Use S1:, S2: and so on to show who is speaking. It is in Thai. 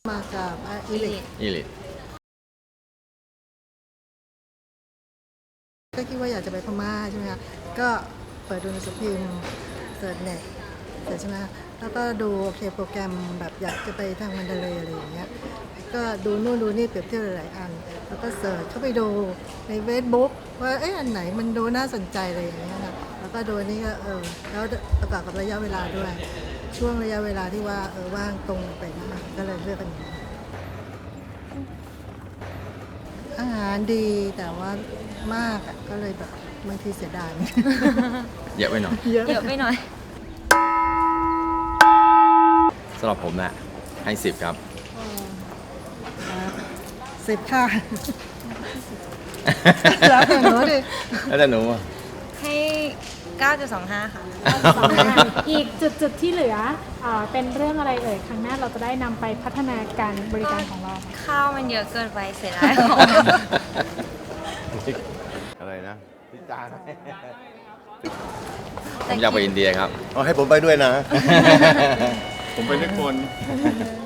S1: มากับอิลิทก็คิดว่าอยากจะไปพม่าใช่ไหมคะก็เปิดดูหนังสือพิมพ์เสิร์ชเน็ตเสร็จใช่ไหมแล้วก็ดูโอเคโปรแกรมแบบอยากจะไปทางมันดาเลยอะไรอย่างเงี้ยก็ดูนู่นดูนี่เปรียบเทียบหลายๆอันแล้วก็เสิร์ชเข้าไปดูในเฟซบุ๊กว่าอันไหนมันดูน่าสนใจอะไรอย่างเงี้ยนะแล้วก็ดูนี่ก็แล้วประกอบกับระยะเวลาด้วยช่วงระยะเวลาที่ว่าว่างตรงไปมากก็เลยเลือกกันอย่างนี้อาหารดีแต่ว่ามากอ่ะก็เลยแบบบางทีเสียดาย
S2: เยอะไปหน่อย
S3: เยอะไปหน่อย
S2: สำหรับผมนะให้10 ครับ
S1: 10 ค่ะ แล้วแต่หนูดิ
S2: แล้วแต่หนูอะ
S3: ให้ 9.25 ค่ะ
S4: อีกจุดที่เหลือเป็นเรื่องอะไรเอ่ยครั้งหน้าเราจะได้นำไปพัฒนาการบริการของเรา
S3: ข้าวมันเยอะเกินไปเสียดายของ
S5: อะไรนะพิจาร
S2: ผมอยากไปอินเดียครับ
S5: ให้ผมไปด้วยนะ
S6: ผมเป็นนักบอล